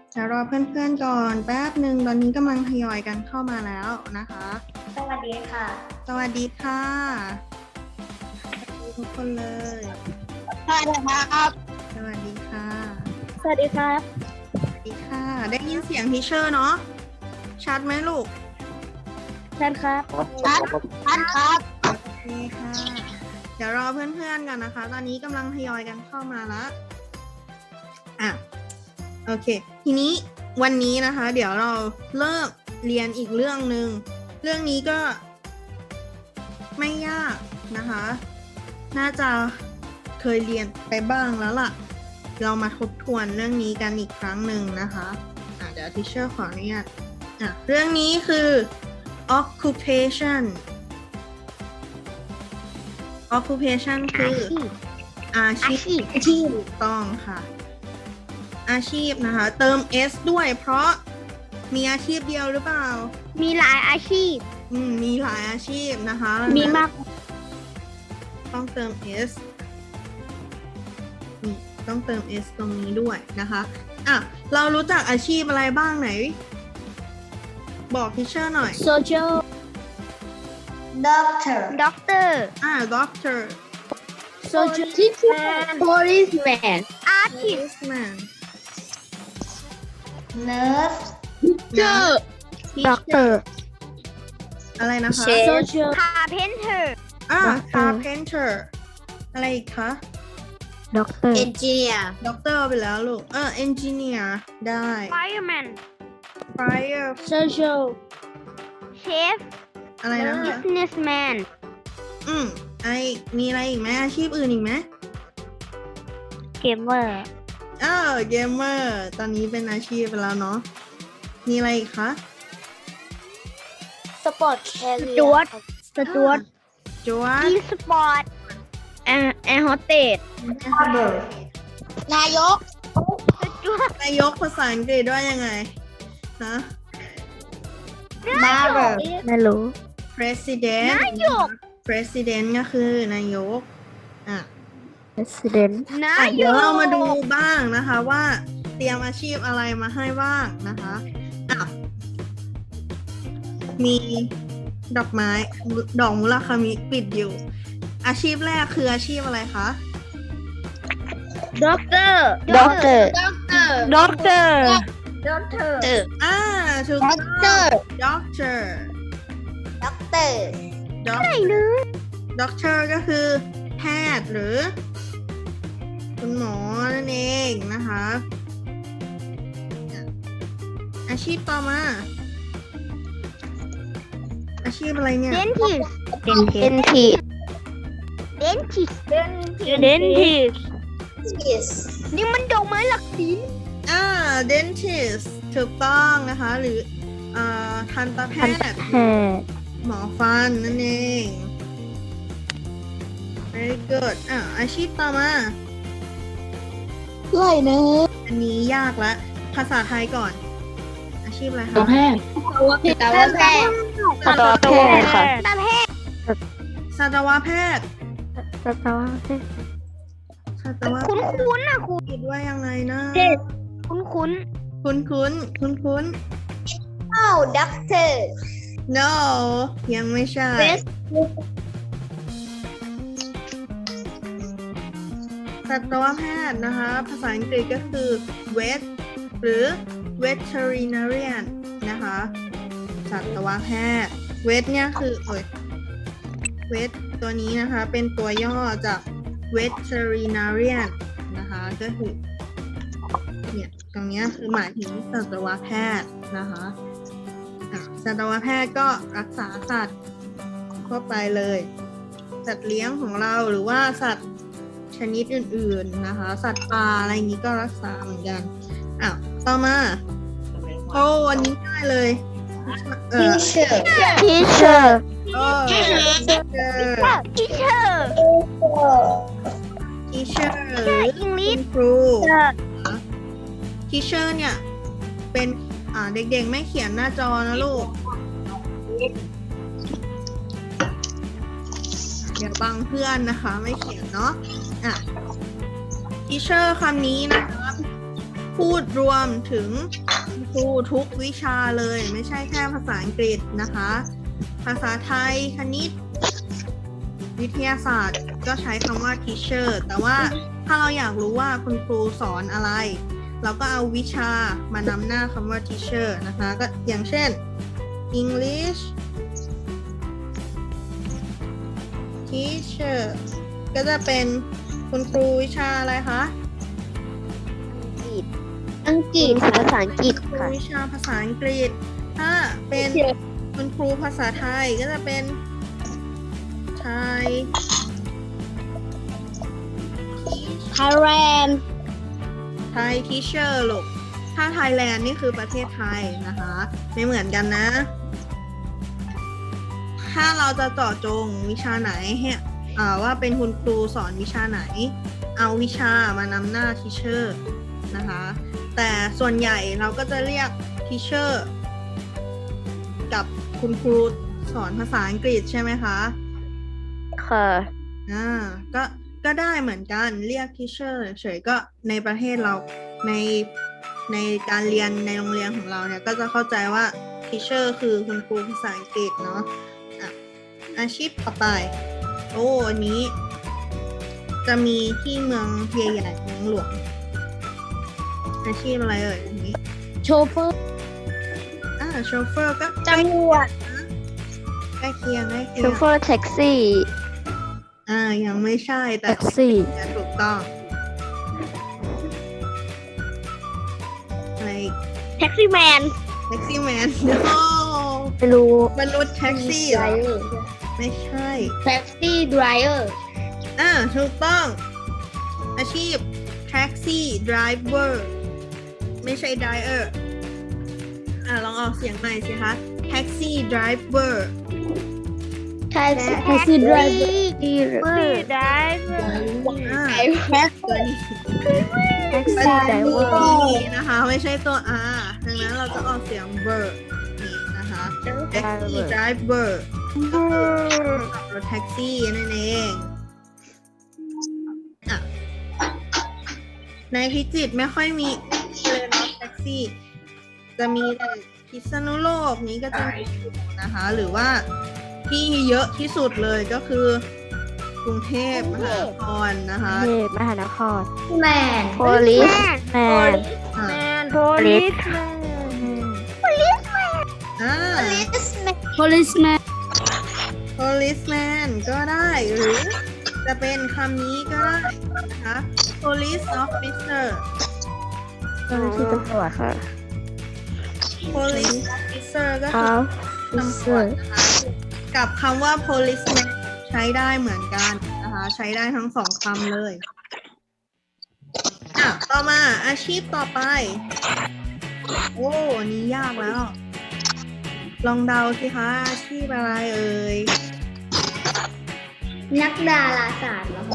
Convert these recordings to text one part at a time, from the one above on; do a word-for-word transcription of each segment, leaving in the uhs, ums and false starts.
เดี๋ยวรอเพื่อนๆก่อนแป๊บหนึ่งตอนนี้กำลังทยอยกันเข้ามาแล้วนะคะสวัสดีค่ะสวัสดีค่ะสวัสดีทุกคนเลยสวัสดีครับสวัสดีค่ะสวัสดีครับสวัสดีค่ะ ได้ยินเสียงทีเชอร์เนาะชัดไหมลูกชันครับชันชันครับโอเคค่ะ เดี๋ยวรอเพื่อนๆกันนะคะ ตอนนี้กำลังทยอยกันเข้ามาแล้วอ่ะโอเค ทีนี้วันนี้นะคะ เดี๋ยวเราเริ่มเรียนอีกเรื่องหนึ่งเรื่องนี้ก็ไม่ยากนะคะ น่าจะเคยเรียนไปบ้างแล้วล่ะ เรามาทบทวนเรื่องนี้กันอีกครั้งหนึ่งนะคะอ่ะเดี๋ยวทิเชอร์ขออนุญาตอ่ะเรื่องนี้คือ occupation occupation คืออาชีพที่ถูกต้องค่ะ อาชีพนะคะ เติม s ด้วยเพราะมีอาชีพเดียวหรือเปล่ามีหลายอาชีพอืมมีหลายอาชีพนะคะมีมากต้องเติม s นี่ต้องเติม s ตรงนี้ด้วยนะคะอ่ะเรารู้จักอาชีพอะไรบ้างไหน บอกทิเชอร์หน่อย social doctor doctor อ่า doctor social teacher policeman artist policeman nurse teacher doctor อะไรนะคะ social carpenter อ่า doctor carpenter อะไรอีกคะ doctor engineer doctor ไปแล้วลูกเออ engineer ได้ fireman fire social chef อะไรนะคะ businessman อืมไอมีอะไรอีกไหมอาชีพอื่นอีกไหม gamer เออเกมเมอร์ตอนนี้เป็นอาชีพไปแล้วเนาะมีอะไรอีกคะ sport carrier จวดสจวดจวด e sport แอร์แอร์โฮสเตสนายกสจวดนายกภาษาอังกฤษว่ายังไงฮะนายกไม่รู้ president นายก president ก็คือนายกอ่ะ president นาอ่ะยเดี๋ยวกเรามาดูบ้างนะคะว่าเตรียมอาชีพอะไรมาให้บ้างนะคะอ่ะมีดอกไม้ดอกมุราคามิปิดอยู่ อาชีพแรกคืออาชีพอะไรคะด็อกเตอร์ด็อกเตอร์ด็อกเตอร์ด็อกเตอร์อ่าถูกด็ต้ออกเตอง ร์ doctor ด็อกเตอร์ doc ไหนเนื้อ doctor ก็คือแพทย์หรือคุณหมอนั่นเองนะคะอาชีพต่อมา อาชีพอะไรเนี่ยเดนทิสเดนทิสเดนทิสเดนทิสเดนทิสนี่มันดอกไม้หลักสีอ่า dentist ถูกต้องนะคะ หรืออ่าทันตแพทย์หมอฟันนั่นเอง very good อ่าอาชีพต่อมาไรเนื้ออันนี้ยากละภาษาไทยก่อน อาชีพอะไรคะแพทย์สัตวแพทย์สัตวแพทย์ค่ะสัตวแพทย์สัตวแพทย์สัตวแพทย์สัตวแพคุ้นทย์คุ้นๆนะคุณคิดว่ายังไงนะคุ้นคุ้นคุ้นคุ้นคุ้นคุ้นโอ้ด็อกเตอร์ no ยังไม่ใช่ สัตวแพทย์นะคะ ภาษาอังกฤษก็คือ vet หรือ veterinarian นะคะ สัตวแพทย์ vet เนี่ยคือโอ้ย vet ตัวนี้นะคะเป็นตัวย่อจาก veterinarian นะคะก็คือเนี่ยตรงเนี้ยคือหมายถึงสัตวแพทย์นะคะอ่ะสัตวแพทย์ก็รักษาสัตว์ทั่วไปเลย สัตว์เลี้ยงของเราหรือว่าสัตว์ชนิดอื่นๆนะคะ สัตว์ป่าอะไรอย่างนี้ก็รักษาเหมือนกันอ้าวต่อมาโอ้วันนี้ง่ายเลยเออ teacher teacher โอ้ teacher teacher teacher หรือ English ครู teacher เนี่ยเป็นอ่าเด็กๆไม่เขียนหน้าจอนะลูกเดี๋ยวบังเพื่อนนะคะไม่เขียนเนาะอ่ะ teacher คำนี้นะคะพูดรวมถึงครูทุกวิชาเลยไม่ใช่แค่ภาษาอังกฤษนะคะ ภาษาไทยคณิต วิทยาศาสตร์ก็ใช้คำว่า teacher แต่ว่าถ้าเราอยากรู้ว่าคุณครูสอนอะไร เราก็เอาวิชามานำหน้าคำว่า teacher นะคะ ก็อย่างเช่น English teacher ก็จะเป็นคุณครูวิชาอะไรคะอังกฤษภาษาอังกฤษครูค่ะวิชาภาษาอังกฤษ ถ้าเป็นคุณครูภาษาไทยก็จะเป็นไทยไทยแลนด์ไทย teacher ลูก ถ้าไทยแลนด์นี่คือประเทศไทยนะคะ ไม่เหมือนกันนะ ถ้าเราจะเจาะจงวิชาไหนให้อ่าว่าเป็นคุณครูสอนวิชาไหน เอาวิชามานำหน้า teacher นะคะ แต่ส่วนใหญ่เราก็จะเรียก teacher กับคุณครูสอนภาษาอังกฤษใช่ไหมคะค่ะอ่าก็ก็ได้เหมือนกันเรียก teacher เฉยๆก็ในประเทศเราในในการเรียนในโรงเรียนของเราเนี่ยก็จะเข้าใจว่า teacher คือคุณครูภาษาอังกฤษเนาะอ่ะอาชีพต่อไปโอ้อันนี้จะมีที่เมืองใหญ่ๆเมืองหลวงอาชีพอะไรเอ่ยอันนี้โชเฟอร์อ่าโชเฟอร์ก็ตำรวจใกล้เคียงใกล้เคีโชยงเฟอร์แท็กซี่อ่ายังไม่ใช่แต่แท็กซี่ถูกต้องอะไรอีกแท็กซี่แมนแท็กซี่แมนโอ้ไม่รู้มนุษย์แท็กซี่เหรอไม่ใช่แท็กซี่ไดรเวอร์อ่าถูกต้อง อาชีพแท็กซี่ไดรเวอร์ไม่ใช่ไดรเออร์อ่าลองออกเสียงใหม่สิคะแท็กซี่ไดรเวอร์แท็กซี่แท็กซี่ไดรเวอร์ไดรเวอร์อ่าแท็กตัวนี้แท็กเป็นซี่ไดรเวอตัวร์นี้นะคะไม่ใช่ตัว R ดังนั้นเราจะออกเสียงเวอร์นี่นะคะแท็กซี่ไดรเวอร์ขับรถแท็กซี่นั่นเองอ่ะในพิจิตรไม่ค่อยมีเลยเนาะแท็กซี่ จะมีแต่พิษณุโลกนี้ก็จะมีอยู่นะคะ หรือว่าที่เยอะที่สุดเลยก็คือกรุงเทพมหานครนะคะเทพมหานครแมน police man อ่ะ police อ่า policeman policeman ก็ได้หรือจะเป็นคำนี้ก็ได้นะคะ police officer เจ้าหน้าที่ตำรวจค่ะ police officer ก็คือตำรวจนะคะกับคำว่า policeman ใช้ได้เหมือนกันนะคะใช้ได้ทั้งสองคำเลยอ่ะต่อมาอาชีพต่อไป โอ้อันนี้ยากแล้ว ลองเดาสิคะอาชีพอะไรเอ่ยนักดาราศาสตร์เหรอคะ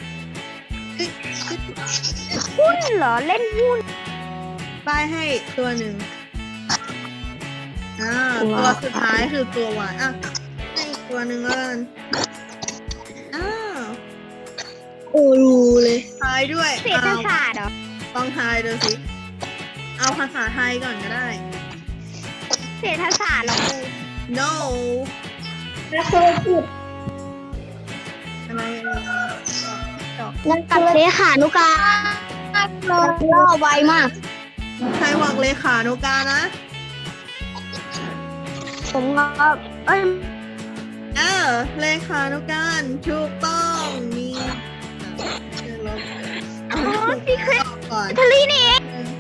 หุ้นเหรอ เล่นหุ้นป้ายให้ตัวหนึ่งอ่าตัวตัวสุดท้ายคือตัวหวานอ่ะให้อีกตัวหนึ่งแล้วกันอ้าวโอ้รู้เลยทายด้วยเศรษฐศาสตร์เหรอลองทายดูสิ เอาภาษาไทยก่อนก็ได้เศรษฐศาสตร์เหรอ no นักธุรกิจอะไรเอ่ยดอกนักกับธุรเลกิจขานุการล่อไวมากใครบอกเลขานุการนะผมก็เอ้ยเออเลขานุการถูกต้องมีเดี๋ยวลบอ๋อซีเครตก่อนทลีนี่เอง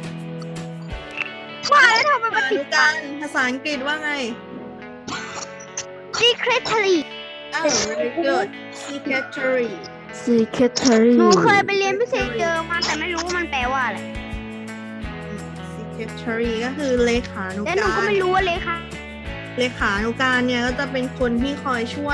ว่าแล้วทำไมเลมันขาตินุดการภาษาอังกฤษว่าไงซีเครตทลีอ้าว very good secretary secretary หนูเคยไปเรียนพิเศษเจอมาแต่ไม่รู้ว่ามันแปลว่าอะไร secretary ก็คือเลขานุแล้วหนูกาก็รไม่รู้ว่าเลยค่ะเลขานุการเนี่ยก็จะเป็นคนที่คอยช่วย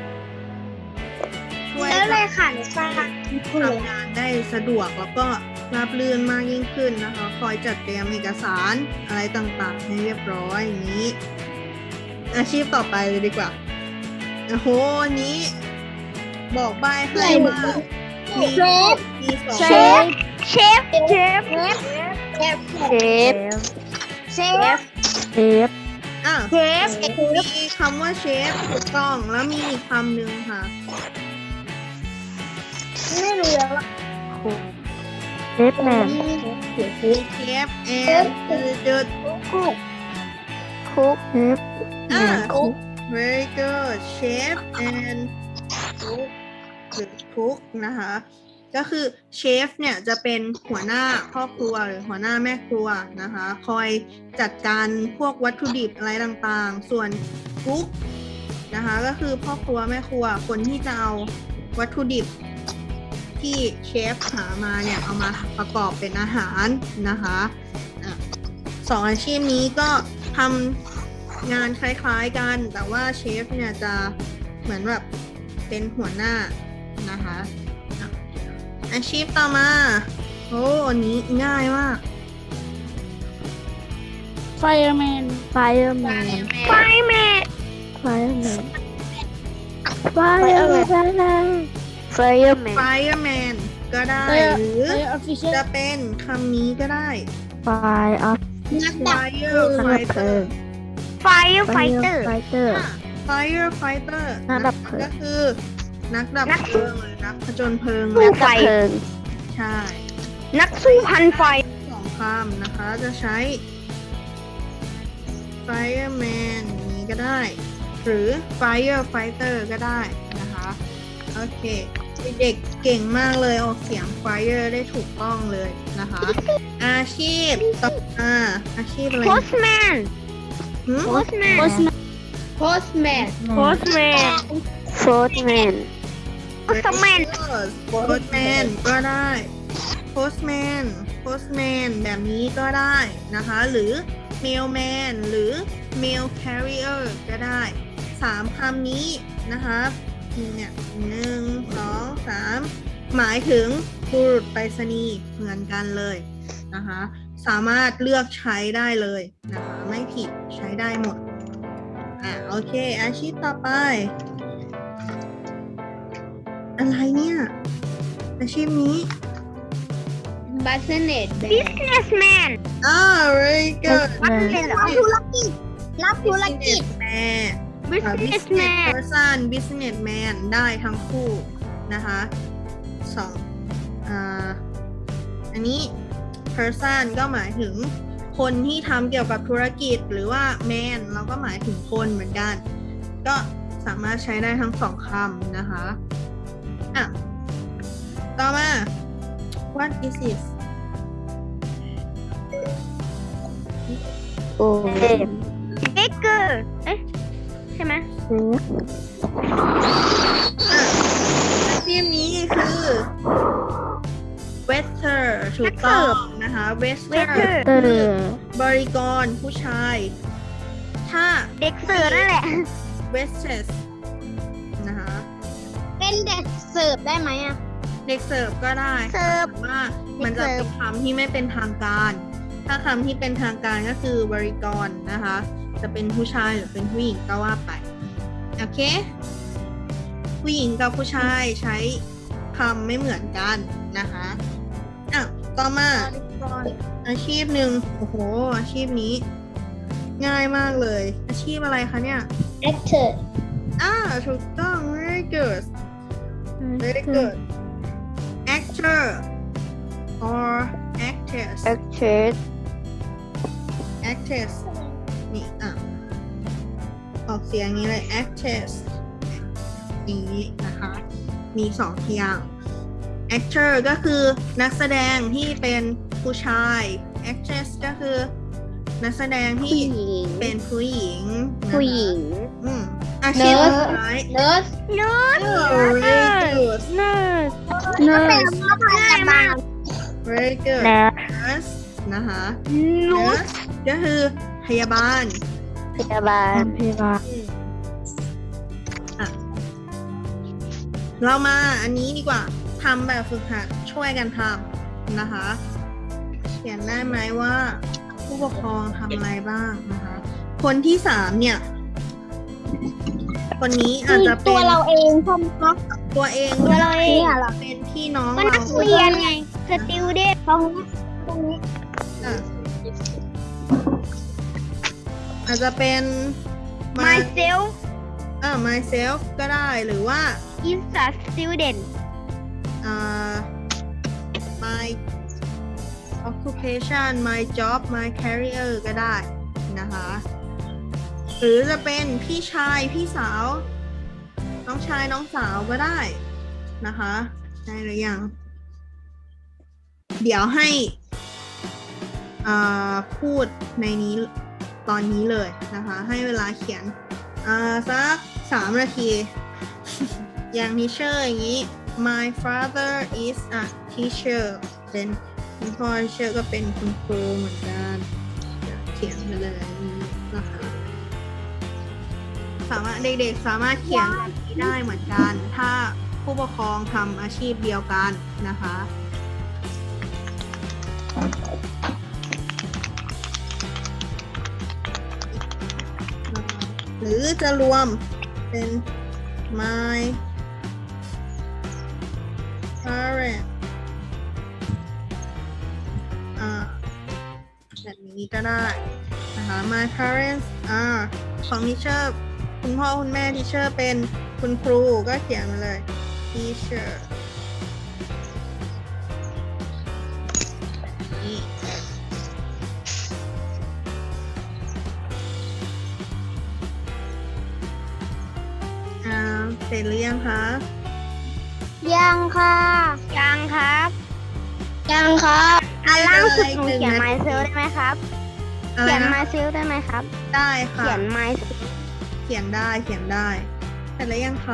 ช่วยแล้วเลยค่ะหนูฟังทำงานได้สะดวกแล้วก็ราบรื่นมากยิ่งขึ้นนะคะ คอยจัดเตรียมเอกสารอะไรต่างๆให้เรียบร้อยอย่างนี้ อาชีพต่อไปเลยดีกว่าโอ้โหอันนี้ บอกใบให้ว่ามีมีสองเชฟเชฟเชฟฟเชฟเชฟเชฟอ่ะเชฟมีคำว่าเชฟถูกต้องแล้วมีอีกคำหนึ่งค่ะไม่รู้แล้วว่าเชฟแมนเชฟแอนคือเดิร์คุกคุกเชฟอ่ะคุก very good chef and cook หรือ cook นะคะ ก็คือเชฟเนี่ยจะเป็นหัวหน้าพ่อครัวหรือหัวหน้าแม่ครัวนะคะ คอยจัดการพวกวัตถุดิบอะไรต่างๆ ส่วน cook นะคะก็คือพ่อครัวแม่ครัวคนที่จะเอาวัตถุดิบที่เชฟหามาเนี่ยเอามาประกอบเป็นอาหารนะคะอ่ะสองอาชีพนี้ก็ทำงานคล้ายๆกันแต่ว่าเชฟเนี่ยจะเหมือนแบบเป็นหัวหน้านะคะอ่ะอาชีพต่อมาโอ้อันนี้ง่ายมาก fireman fireman fireman fireman fireman fireman fireman ก็ได้หรือจะเป็นคำนี้ก็ได้ fire of นักดับ firefighter firefighter fighter firefighter นักดับเพลิงก็คือนักดับเพลิงหรือนักผจญเพลิงสู้ไฟเพลิงใช่นักสู้พันไฟสองคำนะคะจะใช้ fireman นี้ก็ได้ หรือ firefighter ก็ได้นะคะโอเคเด็กเก่งมากเลยออกเสียง fire ได้ถูกต้องเลยนะคะ อาชีพต่อมาอาชีพอะไร postman หืม postman postman postman postman postman postman ก็ได้ postman postman แบบนี้ก็ได้นะคะ หรือ mailman หรือ mail carrier ก็ได้สามคำนี้นะคะเนี่ยหนึ่งสองสามหมายถึงบุรุษไปรษณีย์เหมือนกันเลยนะคะสามารถเลือกใช้ได้เลยนะคะไม่ผิดใช้ได้หมดอ่ะโอเคอาชีพต่อไป อะไรเนี่ยอาชีพนี้ business businessman อ่า very good เป็นรับธุรกิจรับธุรกิจ businessman อ่า business person businessman ได้ทั้งคู่นะคะสองอ่าอันนี้ person ก็หมายถึงคนที่ทำเกี่ยวกับธุรกิจหรือว่า man เราก็หมายถึงคนเหมือนกัน ก็สามารถใช้ได้ทั้งสองคำนะคะอ่ะต่อมา what is this โอ้ baker เอ๊ะใช่ไหมอ่ะอาชีพนี้คือ waiter ถูกต้องนะคะ waiter เตอร์บริกรผู้ชาย ถ้าเด็กเสิร์ฟนั่นแหละ waitress นะคะเป็นเด็กเสิร์ฟได้ไหมอ่ะเด็กเสิร์ฟก็ได้เสิร์ฟแต่ว่ามันจะเป็นคำที่ไม่เป็นทางการ ถ้าคำที่เป็นทางการก็คือบริกรนะคะ จะเป็นผู้ชายหรือเป็นผู้หญิงก็ว่าไป โอเค ผู้หญิงกับผู้ชายใช้คำไม่เหมือนกันนะคะอ่ะต่อมาอาชีพหนึ่งโอ้โห อาชีพนี้ ง่ายมากเลย อาชีพอะไรคะเนี่ย actor อ่าถูกต้อง very good very good actor or actress actress actress นี่อ่ะออกเสียงอย่างนี้เลย actress นี้นะคะ มีสองอย่าง actor ก็คือนักแสดงที่เป็นผู้ชาย actress ก็คือนักแสดงที่ผู้หญิงเป็นผู้หญิงนะคะผู้หญิงอืมอาชีพ Nurse สุดท้าย nurse Oh, very good nurse เป็น nurse ง่ายมาก very good nurse nurse นะคะ nurse nurse ก็คือพยาบาลพยาบาลพยาบาลอ่ะเรามาอันนี้ดีกว่าทำแบบฝึกหัดช่วยกันทำนะคะ เขียนได้ไหมว่าผู้ปกครองทำอะไรบ้างนะคะ คนที่สามเนี่ย คนนี้อาจจะเป็ตัวน เราเองใช่ไหมคะตัวเองตัวเราเองอะเหรอเป็นพี่น้องก็เรานักเรียนไง student ตรงนี้ตรงนี้ออ่ะอาจจะเป็น my myself อ่า myself ก็ได้หรือว่า is a student อ่า my occupation my job my career ก็ได้นะคะหรือจะเป็นพี่ชายพี่สาวน้องชายน้องสาวก็ได้นะคะได้หรือยังเดี๋ยวให้อ่าพูดในนี้ตอนนี้เลยนะคะให้เวลาเขียนอ่าสักสามนาที อย่างทีเชอร์อย่างนี้ my father is a teacher เป็นคุณพ่อทีเชอร์ก็เป็นคุณครูเหมือนกันเขียนไปเลยนะคะสามารถเด็กๆสามารถเขียนแบบนี้ได้เหมือนกันถ้าผู้ปกครองทำอาชีพเดียวกันนะคะหรือจะรวมเป็น my parent อ่าแบบนี้ก็ได้นะคะ my parents are ของทีเชอร์คุณพ่อคุณแม่ทีเชอร์เป็นคุณครูก็เขียนมาเลย teacher นี่อ่าเสร็จหรือยังคะยังค่ะยังครับยังครับอันล่างสุดหนูหนึ่งเขียนนาที myself ได้ไหมครับอะไรเขียนนะ myself ได้ไหมครับได้ค่ะเขียน myself เขียนได้เขียนได้เสร็จแล้วยังคะ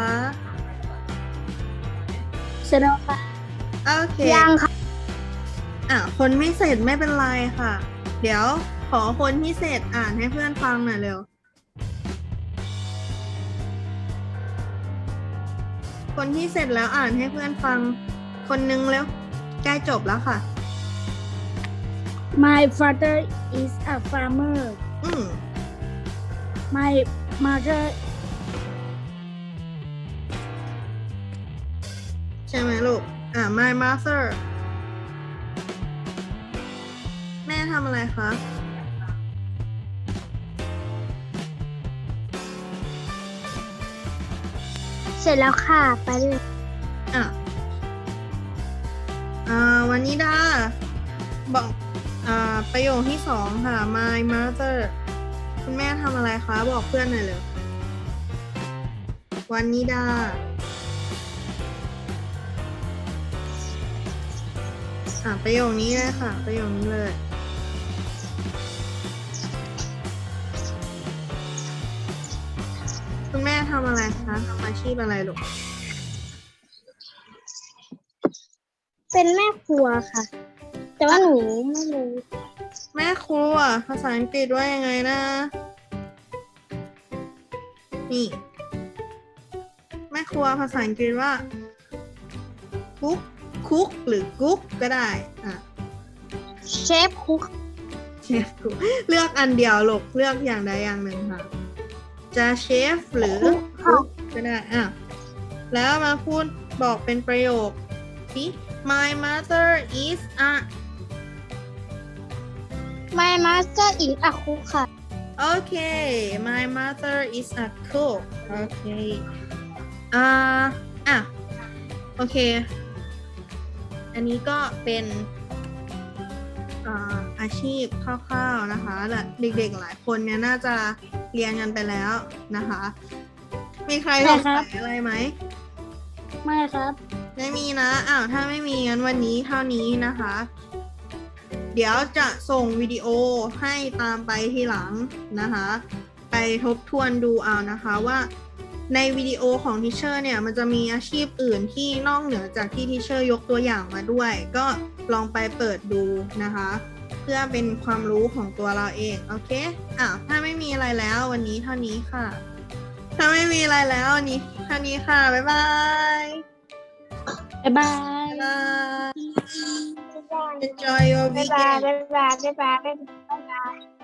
เสร็จแล้วค่ะโอเคยังค่ะอ่ะคนไม่เสร็จไม่เป็นไรค่ะ เดี๋ยวขอคนที่เสร็จอ่านให้เพื่อนฟังหน่อยเร็วคนที่เสร็จแล้วอ่านให้เพื่อนฟังคนนึงเร็วใกล้จบแล้วค่ะ My father is a farmer. อืม My mother ใช่ไหมลูกอ่ะ my mother แม่ทำอะไรคะเสร็จแล้วค่ะ ไปเลยอ่ะอ่าวันนี้ดาบอกอ่าประโยคที่สองค่ะ my mother คุณแม่ทำอะไรคะบอกเพื่อนหน่อยเลยวันนี้ดาอ่ะประโยคนี้เลยค่ะประโยคนี้เลยคุณแม่ทำอะไรคะทำอาชีพอะไรลูกเป็นแม่ครัวค่ะ แต่ว่าหนูไม่รู้แม่ครัวภาษาอังกฤษว่ายังไงนะ นี่ แม่ครัวภาษาอังกฤษว่าคุกคุกหรือกุ๊กก็ได้อ่ะเชฟคุกเชฟกุ๊กเลือกอันเดียวลูกเลือกอย่างใดอย่างหนึ่งค่ะ จะเชฟหรือกุ๊กก็ได้อ่ะแล้วมาพูดบอกเป็นประโยคสิ My mother is a My master is a cook ค่ะ Okay, my mother is a cook. Okay. อ่าอ่ะ โอเค อันนี้ก็เป็นอ่าอาชีพคร่าวๆนะคะและเด็กๆหลายคนเนี่ยน่าจะเรียนกันไปแล้วนะคะ มีใครสงสัยอะไรไหมไม่ครับไม่มีนะ อ้าว ถ้าไม่มีงั้นวันนี้เท่านี้นะคะ เดี๋ยวจะส่งวิดีโอให้ตามไปทีหลังนะคะ ไปทบทวนดูเอานะคะว่าในวิดีโอของทีเชอร์เนี่ยมันจะมีอาชีพอื่นที่นอกเหนือจากที่ทีเชอร์ยกตัวอย่างมาด้วย ก็ลองไปเปิดดูนะคะ เพื่อเป็นความรู้ของตัวเราเอง โอเคอ้าวถ้าไม่มีอะไรแล้ววันนี้เท่านี้ค่ะ ถ้าไม่มีอะไรแล้ววันนี้เท่านี้ค่ะ บ๊ายบายบ๊ายบายบ๊ายบาย Enjoy your บ๊าย weekend บาย บ๊ายบาย บ๊ายบาย บ๊ายบาย